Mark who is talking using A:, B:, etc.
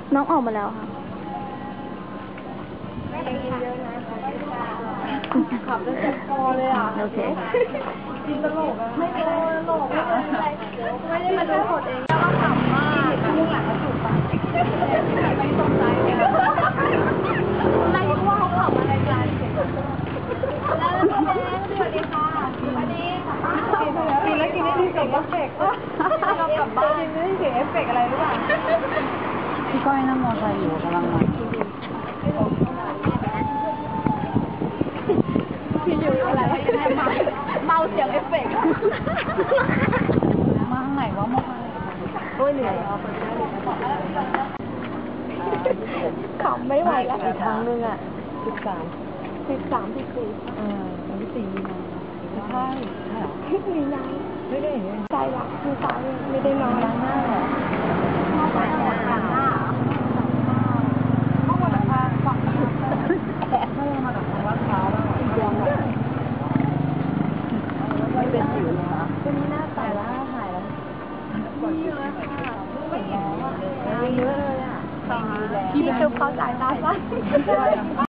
A: น้องออกมาแล้วค่ะ
B: ขับตั้งแต่คอเลยอ่ะ
A: โอเค
B: จริงตลกอ่ะไม่ตลกไม่เป็นไรไม่ได้มาดูกดเองแล้วก็ขำมากข้างหลังเขาถูกปะไม่ตกใจเลยอะไรว่าเขาขำอะไรกันแล้วแม่สวัสดีค่ะสวัสดีกินแล้วกินได้ดีเสียงเอฟเฟกต์เรากลับบ้านกินได้เสียงเอฟเฟกต์อะไรหรือเปล่า
A: พี่ก้อยนั่งมอเตอร์ไซค์อยู่กำลังมา
B: พี่อยู่อะไรเมาเสียงเอฟเฟกต์
A: มาข้างไหนวะมา
B: โอ้ยเหนื่อยขำไม่ไหวแล้วอีกครั้งนึงอ่ะ13 14
A: วันที่4 มีนาใช่เหรอ
B: มีนา
A: ไม่ได้
B: ใจรักคือตายไม่ได้นอน
A: หน้าเหรอ
B: หน้า
A: ห้องวันพาฝั่งแต่ไม่ได้มากับทางวัดเช้าแล้วไม่เป็นสิวเลยนะ
B: เป็นหน้าตายแล้วหายแล้วเยอะค่ะไม่เห็นแล้วอ่ะเยอะเลยอ่ะ
A: พี่
B: คือเขาจ่ายตาสั้น